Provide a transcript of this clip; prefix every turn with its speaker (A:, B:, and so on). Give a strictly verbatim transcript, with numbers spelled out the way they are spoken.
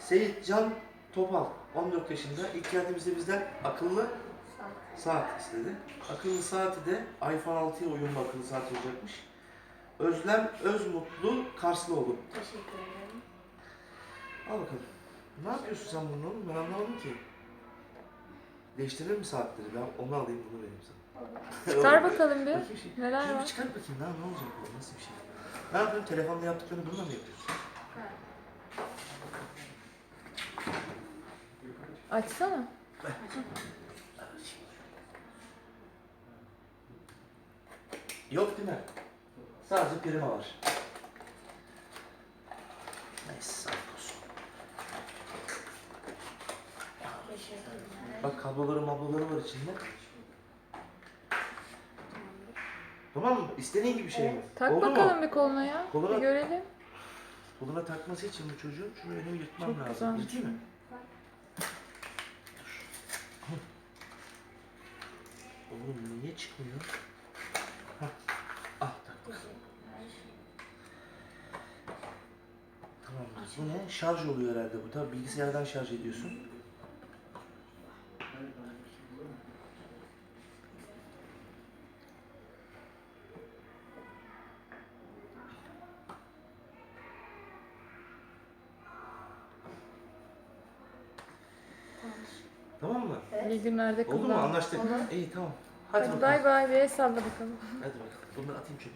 A: Seyitcan Topal, on dört yaşında. İlk geldiğimizde bizden akıllı saat istedi. Akıllı saati de iPhone altıya uyumlu akıllı saat olacakmış. Özlem Özmutlu Karslıoğlu.
B: Teşekkür ederim.
A: Al bakalım. Ne yapıyorsun sen bunun oğlum? Ben anlamadım ki. Değiştirir mi saatleri? Ben onu alayım, bunu vereyim sana.
C: Çıkar bakalım bir.
A: Bakayım şey.
C: Neler
A: Şunu bir
C: var?
A: çıkar bakayım lan, ne olacak bu? Nasıl bir şey? Ne yapıyorsun? Telefonda yaptıklarını bununla mı yapıyorsun?
B: Ha.
C: Açsana.
A: Yok değil mi? Sadece prima var. Neyse, sağlık olsun.
B: Teşekkürler.
A: Bak kabloları mabloları var içinde. Tamam mı? İstediğin gibi şey mi?
C: Tak
A: Oldu
C: bakalım
A: mu?
C: bir koluna ya.
A: Koluna-
C: Bir görelim.
A: Koluna takması için bu çocuğun şunu önümü yırtmam
C: Çok
A: lazım.
C: güzelmiş.
A: Yırtayım mı? Oğlum niye çıkmıyor? Hah. Ah taktım. Tamam. Bu ne? Şarj oluyor herhalde bu. Tabii bilgisayardan şarj ediyorsun. Tamam mı?
C: İyi günlerde
A: Oldu mu?
C: kullan.
A: Anlaştık.
C: Olur.
A: İyi tamam. Hadi,
C: Hadi
A: bakalım.
C: bay bay. Bir el salla bakalım.
A: Hadi bakalım. Bunları atayım çöpe.